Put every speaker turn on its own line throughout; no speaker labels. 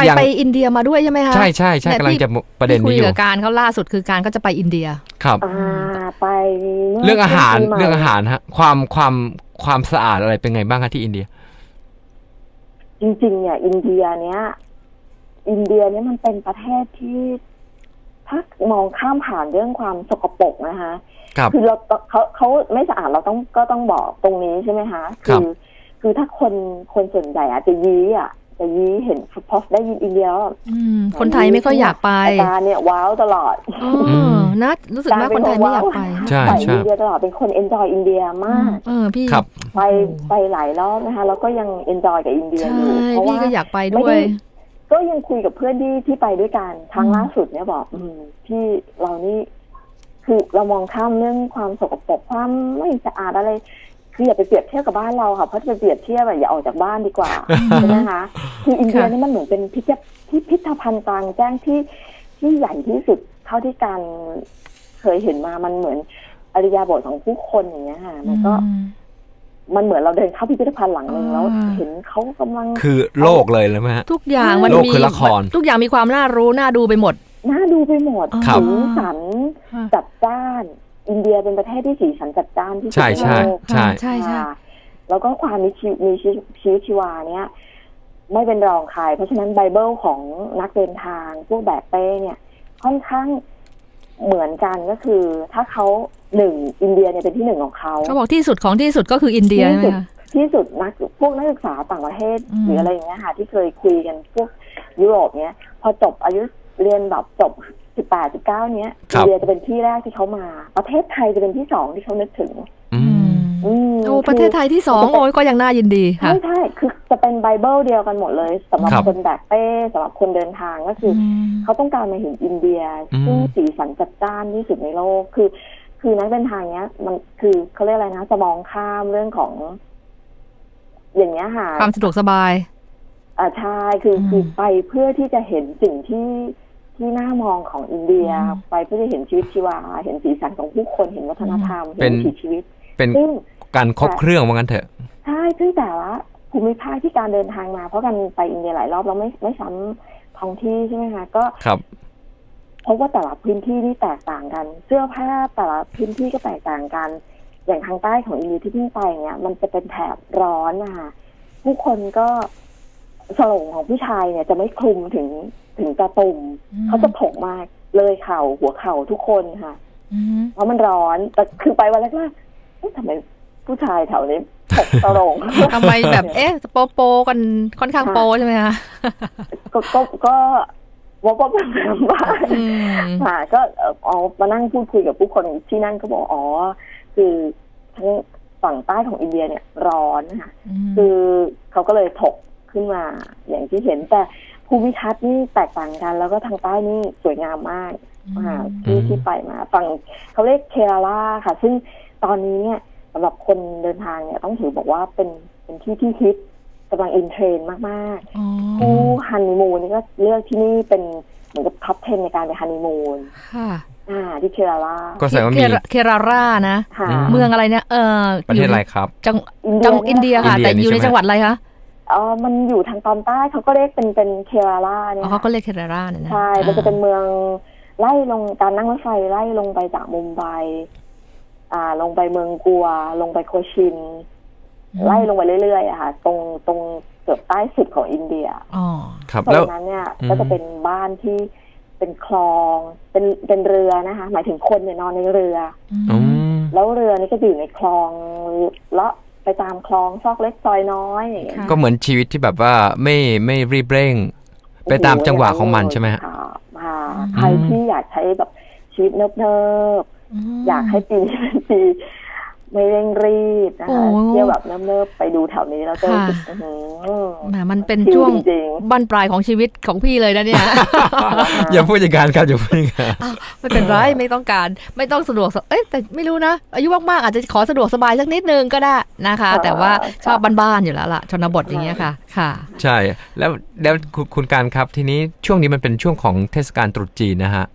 ไปอินเดียมาด้วยใช่ไหมคะ
ใช่ใช่ใช่กำลังจะประเด็นนี้อยู่
คุยกับการเขาล่าสุดคือการก็จะไปอินเดีย
ครับ
ไป
เรื่องอาหารฮะความสะอาดอะไรเป็นไงบ้างคะที่อินเดีย
จริงๆเนี่ยอินเดียเนี้ยมันเป็นประเทศที่ถ้ามองข้ามผ่านเรื่องความสกปรกนะคะคือเขาไม่สะอาดเราต้องบอกตรงนี้ใช่ไหมคะคือถ้าคนส่วนใหญ่อาจจะยี้เห็นพอได้ยินอินเดีย
คนไทยไม่ค่อยอยากไป
ตาเนี่ยว้าวตลอด
นะรู้สึกว่าคนไทยไม่อยากไป
ใช่
อินเดียตลอดเป็นคนเอนจอยอินเดียมาก
พี่
ไปหลายรอบนะคะแล้วก็ยังเอนจอยกับอินเดียอยู่
เพราะว่าพี่ก็อยากไปด้วย
ก็ยังคุยกับเพื่อนที่ไปด้วยกันครั้งล่าสุดเนี่ยบอกที่เรานี่คือเรามองข้ามเรื่องความสกปรกความไม่สะอาดอะไรคืออย่าไปเปรียบเทียบกับบ้านเราค่ะเพราะจะเปรียบเทียบอย่าออกจากบ้านดีกว่าใช่ไหมคะคืออินเดียนี่มันเหมือนเป็นพิพิธภัณฑ์กลางแจ้งที่ใหญ่ที่สุดเท่าที่การเคยเห็นมามันเหมือนอริยาบถของผู้คนอย่างเงี้ยค่ะมันเหมือนเราเดินเข้าพิพิธภัณฑ์หลังนึงแล้วเห็นเขากำลัง
คือโลกเลยแล้วไหมฮะ
ทุกอย่างมันมีทุกอย่างมีความน่ารู้น่าดูไปหมด
สีสันจัดจ้านอินเดียเป็นประเทศที่สีสันจัดจ้านที่สุดในโลก
ใช่
แล้วก็ความมีชีวิตชีวาเนี้ยไม่เป็นรองใครเพราะฉะนั้นไบเบิลของนักเดินทางพวกแบกเป้เนี่ยค่อนข้างเหมือนกันก็คือถ้าเขาอินเดียเนี่ยเป็นที่1ของเขา
บอกที่สุดของที่สุดก็คืออินเดียใช่ไหมคะ
ที่สุดพวกนักศึกษาต่างประเทศหรืออะไรอย่างเงี้ยค่ะที่เคยคุยกันพวกยุโรปเนี้ยพอจบอายุเรียนแบบจบ18 19เนี้ยอินเดียจะเป็นที่แรกที่เขามาประเทศไทยจะเป็นที่2ที่เขานึกถึง
ประเทศไทยที่2โอ้ยก็ยังน่ายินดีค่ะ
ใช่คือจะเป็นไบเบิลเดียวกันหมดเลยสำหรับคนแบกเป้สำหรับคนเดินทางก็คือเขาต้องการมาเห็นอินเดียซึ่งสีสันจัดจ้านที่สุดในโลกคือนักเดินทางเนี้ยมันคือเขาเรียกอะไรนะจะมองข้ามเรื่องของอย่างเงี้ยค่ะ
ความสะดวกสบาย
ใช่คือไปเพื่อที่จะเห็นสิ่งที่น่ามองของอินเดียไปเพื่อจะเห็นชีวิตชีวาเห็นสีสันของผู้คนเห็นวัฒนธรรมเห็นวิถีชีวิต
เป็นการครบเครื่องว่างั้นเถอะ
ใช่ซึ่งแต่ละภูมิภาคที่การเดินทางมาเพราะกันไปอินเดียหลายรอบเราไม่ซ้ำท้องที่ใช่ไหมคะก็เพราะว่าแต่ละพื้นที่นี่แตกต่างกันเสื้อผ้าแต่ละพื้นที่ก็แตกต่างกันอย่างทางใต้ของอินเดียที่เพิ่งไปเนี่ยมันจะเป็นแถบร้อนนะคะผู้คนก็สโลงของผู้ชายเนี่ยจะไม่คลุมถึงตาตุ่มเขาจะถกมากเลยเข่าหัวเข่าทุกคนค่ะเพราะมันร้อนแต่คือไปวันแรกๆทำไมผู้ชายแถวนี้ถกสโลง
ทำไมแบบโปกันค่อนข้างโปใช่ไหมคะ
ก็ว่าเป็นบ้านค่ะก็เอามานั่งพูดคุยกับผู้คนที่นั่นก็บอกคือทั้งฝั่งใต้ของอินเดียเนี่ยร้อนนะคะคือเขาก็เลยถกขึ้นมาอย่างที่เห็นแต่ภูมิทัศน์นี่แตกต่างกันแล้วก็ทางใต้นี่สวยงามมากที่ไปมาฝั่งเขาเรียกเคราลาค่ะซึ่งตอนนี้เนี่ยสำหรับคนเดินทางเนี่ยต้องถือบอกว่าเป็นที่ฮิตกำลังอินเทรนมากๆผู้ฮันนีมูนนี่ก็เลือกที่นี่เป็นเหมือนกับท็อป 10ในการไปฮันนีมูนที่เคราลา
ก็แสดงว่ามี
เคราลานะเมืองอะไรเนี่ย
ประเทศอะไรครับ
จังอินเดียค่ะแต่อยู่ในจังหวัดอะไรคะ
มันอยู่ทางตอนใต้เขาก็เรียกเป็นเคราลาเนี่ย
เขาก็เรียกเคราลาเนี่ยนะ
ใช่มันจะเป็นเมืองไล่ลงการนั่งรถไฟไล่ลงไปจากมุมไบลงไปเมืองกัวลงไปโคชินไล่ลงไปเรื่อยๆอะค่ะตรงเกือบใต้สุดของอินเดีย
ครับ
แล้วนั้นเนี่ยก็จะเป็นบ้านที่เป็นคลองเป็นเรือนะคะหมายถึงคนเนี่ยนอนในเรือแล้วเรือนี่ก็อยู่ในคลองแล้วไปตามคลองซอกเล็กซอยน้อย
ก็เหมือนชีวิตที่แบบว่าไม่รีบเร่งไปตามจังหวะของมันใช่ไหมฮะ
ใครที่อยากใช้แบบชีวิตเนิบๆอยากให้ปีนี้เป็นปีไม่เร่งรีบนะคะเที่ยวแบบเนิบๆไปดูแถวนี้แล้วก็
มันเป็นช่วงบั้นปลายของชีวิตของพี่เลยนะเนี่ย
อย่าพูดอย่างนั้นครับอย่าพูดอย่างนั้น
ไม่เป็นไรไม่ต้องการไม่ต้องสะดวกแต่ไม่รู้นะอายุมากๆอาจจะขอสะดวกสบายสักนิดนึงก็ได้นะคะแต่ว่าชอบบ้านๆอยู่แล้วล่ะชนบทอย่างเงี้ยค่ะ
ใช่แล้วคุณการครับทีนี้ช่วงนี้มันเป็นช่วงของเทศกาลตรุษจีนนะฮะ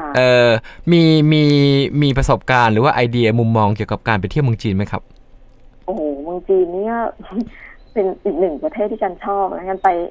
มีประสบการณ์หรือว่าไอเดียมุมมองเกี่ยวกับการไปเที่ยวเมืองจีนไหมครับ
โอ้โหเมืองจีนเนี่ยเป็นอีกหนึ่งประเทศที่กันชอบนะกันไป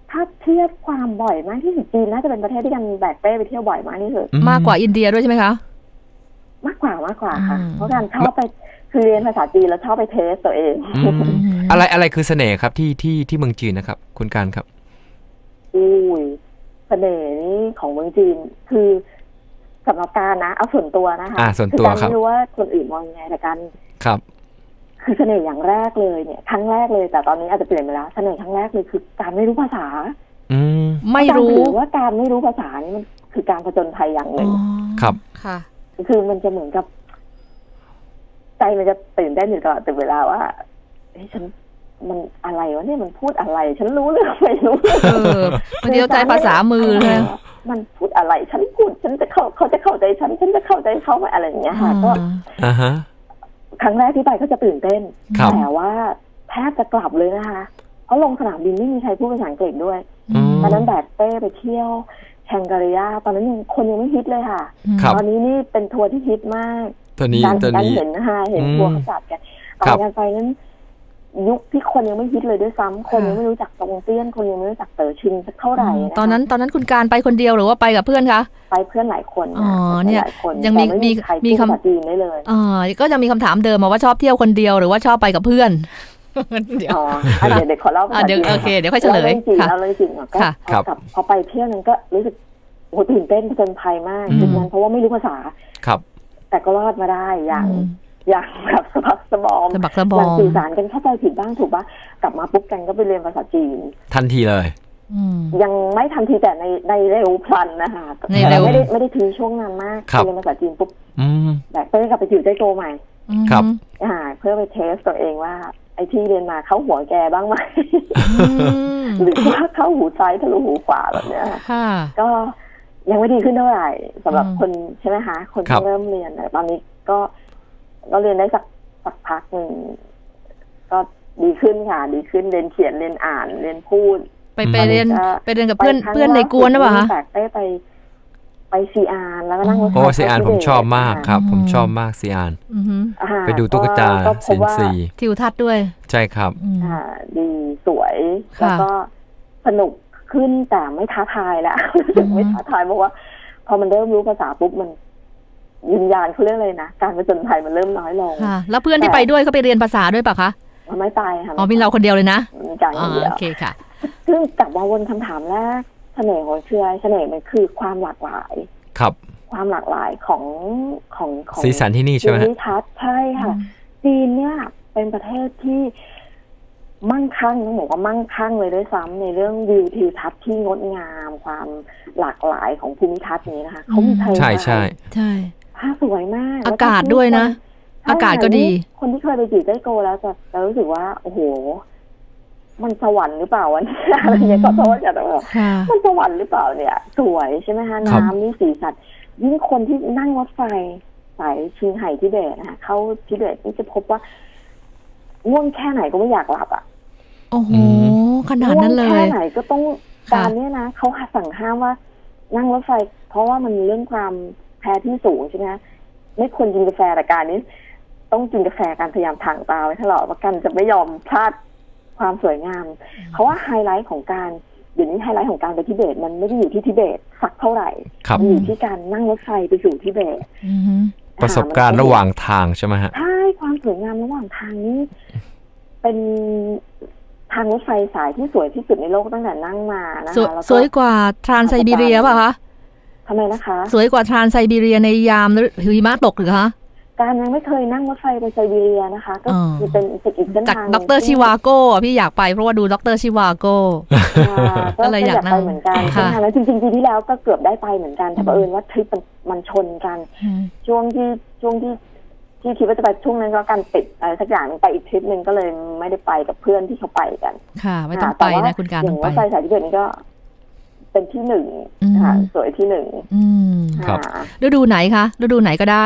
ถ้าเทียบความบ่อยมากที่สุดจีนน่าจะเป็นประเทศที่กันแบกเป้ไปเที่ยวบ่อยมากที่สุด
มากกว่าอินเดียด้วยใช่ไหมคะ
มากกว่าค่ะเพราะการชอบไปคือเรียนภาษาจีนแล้วชอบไปเทสตัวเอง
อะไรคือเสน่ห์ครับที่เมืองจีนนะครับคุณการครับ
อุ้ยเสน่ห์นี่ของเมืองจีนคือสำหรับการนะเอาส่วนตัวนะคะ
ส่วนตัวครับ
ไม่รู้ว่าคนอื่นมองยังไงแต่การ
ครับ
คือเสน่ห์อย่างแรกเลยเนี่ยครั้งแรกเลยแต่ตอนนี้อาจจะเปลี่ยนไปแล้วเสน่ห์ครั้งแรกเลยคือการไม่รู้ภาษา
ไม่รู้
ว่าการไม่รู้ภาษานี่มันคือการผจญภัยอย่างหนึ่ง
ครับ
ค่ะ
คือมันจะเหมือนกับใจมันจะตื่นเต้นอยู่ตลอดเวลาว่าเฮ้ยฉันมันอะไรวะเนี่ยมันพูดอะไรฉันรู้เรื่องไม่รู้
บางทีเราใจภาษามือเลย
มันพูดอะไรฉันพูดฉันจะเขาจะเข้าใจฉันจะเข้าใจเขาไหมอะไรอย่างเงี้ยค่ะก็ครั้งแรกที่ไปก็จะตื่นเต้นแต่ว่าแทบจะกลับเลยนะคะเพราะลงสนามบินไม่มีใครพูดภาษาอังกฤษด้วยตอนนั้นแบกเป้ไปเที่ยวแองการิยาตอนนั้นคนยังไม่ฮิตเลยค่ะตอนนี้นี่เป็นทัวร์ที่ฮิตมากการเห็นนะคะเห็นทัวร์เขาจัดกันตอนการไปนั้นยุคที่คนยังไม่ฮิตเลยด้วยซ้ำคนยังไม่รู้จักตงเตี้ยนคนยังไม่รู้จักเต๋อชิงสักเท่าไหร่
ตอนนั้นคุณการไปคนเดียวหรือว่าไปกับเพื่อนคะ
ไปเพื่อนหลายคน
เนี่ยยังมีคำ
จีนได้เลย
ก็ยังมีคำถามเดิมมาว่าชอบเที่ยวคนเดียวหรือว่าชอบไปกับเพื่อน
เดี๋ยวขอเล่า
เดี๋ยวโอเคเดี๋ยวค่อยเฉลย
ค่ะเอาเลยจริงก็พอไปเที่ยวนั้นก็รู้สึกโหตื่นเต้นผจญภัยมากจริงๆเพราะว่าไม่รู้ภาษา
ครับ
แต่ก็รอดมาได้อย่างแบบสะบักสะบอม
อย่าง
สื่อสารกันเข้าใจผิดบ้างถูกป่ะกลับมาปุ๊บกันก็ไปเรียนภาษาจีน
ทันทีเลย
ยังไม่ทันทีแต่ในเร็วพลันนะคะไม่ได้ทิ้งช่วงนานมากเรียนภาษาจีนปุ๊บแบบเพื่อกลับไปจิ๋วใจโตใหม่
ครับ
เพื่อไปเทสตัวเองว่าไอ้ที่เรียนมาเข้าหัวแกบ้างไหมหรือว่าเข้าหูซ้ายทะลุหูขวาแบบเนี้ยก็ยังไม่ดีขึ้นเท่าไหร่สำหรับคนใช่ไหมคะคนที่เริ่มเรียนตอนนี้ก็เรียนได้สักพักหนึ่งก็ดีขึ้นค่ะดีขึ้นเรียนเขียนเรียนอ่านเรียนพูด
ไปเรียนกับเพื่อนในกวนหรือเปล่าคะ
แบกไปซีอาร์แล้วก็นั่งรถไฟ
ซีอาร์ผมชอบมากครับผมชอบมากซีอาร์ไปดูตุ๊กตาสินซี
ทิวทัศน์ด้วย
ใช่ครับ
ดีสวยแล้วก็สนุกขึ้นแต่ไม่ท้าทายแล้วไม่ท้าทายเพราะว่าพอมันเริ่มรู้ภาษาปุ๊บมันวิญญาณเขาเรียกเลยนะการผจญภัยมันเริ่มน้อยลง
แล้วเพื่อนที่ไปด้วยเขาไปเรียนภาษาด้วยป่ะคะ
ไม่ไปค่ะ
มีเราคนเดียวเลยนะ
โอเคค่ะซึ่งกลับมาวนคำถามแรกเสน่ห์ของเชื่อเสน่ห์มันคือความหลากหลาย
ครับ
ความหลากหลายของ
สีสันที่นี่ใช่ไหม
ทัศน์ใช่ค่ะจีนเนี่ยเป็นประเทศที่มั่งคั่งต้องบอกว่ามั่งคั่งเลยด้วยซ้ำในเรื่องวิวทิวทัศน์ที่งดงามความหลากหลายของภูมิทัศน์นี้นะคะเขามี
ใช่ใช่
ใช่
ภาพสวยมาก
อากาศด้วยนะอากาศก็ดี
คนที่เคยไปจีไต้โกแล้วจะรู้สึกว่าโอ้โหมันสวรรค์หรือเปล่าวะอะไรเงี้ยก็เพราะว่าจะต้องบอกมันสวรรค์หรือเปล่าเนี่ยสวยใช่ไหมคะน้ำนี่สีสันยิ่งคนที่นั่งรถไฟสายชิงไห่ทิเบตนะคะเข้าทิเบตนี่จะพบว่าง่วงแค่ไหนก็ไม่อยากหลับอ่ะ
โอ้โหขนาดนั้นเลย
แค่ไหนก็ต้องการเนี่ยนะเขาสั่งห้ามว่านั่งรถไฟเพราะว่ามันเรื่องความแพ้ที่สูงใช่ไหมไม่ควรกินกาแฟแต่การนี้ต้องกินกาแฟการพยายามถ่างตาไว้ตลอดว่ากันจะไม่ยอมพลาดความสวยงามเพราะว่าไฮไลท์ของการเดี๋ยวนี้ไฮไลท์ของการไปทิเบตมันไม่ได้อยู่ที่ทิเบตสักเท่าไหร่มันอยู่ที่การนั่งรถไฟไปสู่ทิเบต
ประสบการณ์ระหว่างทางใช่ไหมฮะ
ใช่ความสวยงามระหว่างทางนี้เป็นทางรถไฟสายที่สวยที่สุดในโลกตั้งแต่นั่งมานะคะ
สวยกว่าทรานไซบีเรียป่ะคะ
ทำไมนะคะ
สวยกว่าทรานไซบีเรียในยามหิมะตกหรือคะ
การยังไม่เคยนั่งรถไฟไปไซบีเรียนะคะก็คือเป็นอีกเส้นทาง
จากดร.ชิวาโก้พี่อยากไปเพราะว่าดูดร.ชิวาโก้ก็เลยอยาก
ไปเหมือนกันใช่ไหมแล้วจริงๆปีที่แล้วก็เกือบได้ไปเหมือนกันแต่บังเอิญว่าทริปมันชนกันช่วงที่คิดว่าจะไปช่วงนั้นก็การติดอะไรสักอย่างไปอีกทริปนึงก็เลยไม่ได้ไปกับเพื่อนที่เขาไปกัน
ค่ะไม่ต้องไปนะคุณการ
อย่างว่าไฟสายที่เกิดนี้ก็เป็นที่หนึ่งค่ะสวยที่หนึ่ง
ครับ
ฤดูไหนคะฤดูไหนก็ได้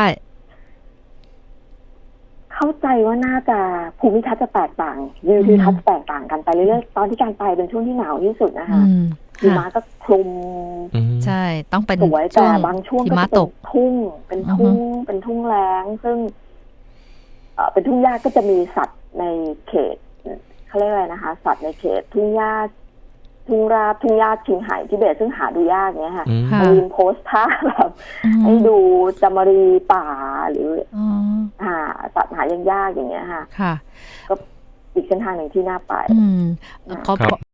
เข้าใจว่าน่าจะภูมิทัศน์จะแตกต่างวิวทิวทัศน์แตกต่างกันไปเรื่อยๆตอนที่การไปเป็นช่วงที่หนาวที่สุดนะคะหิมะก็คลุม
ใช่ต้องเป็น
สวยแต่บางช่วงก็เป็นทุ่งเป็นทุ่งแล้งซึ่งเป็นทุ่งหญ้าก็จะมีสัตว์ในเขตเขาเรียกอะไรนะคะสัตว์ในเขตทุ่งหญ้าทุ่งราบทุ่งหญ้าชิงไห่ทิเบตซึ่งหาดูยากเนี้ยค่ะ
ค่ะ
มายืนโพสท่าแบบให้ดูจามรีป่าหรือสัตว์หายากๆอย่างเงี้ยค่ะ
ค่ะ
ก็อีกเส้นทางหนึ่งที่น่าไป
เขา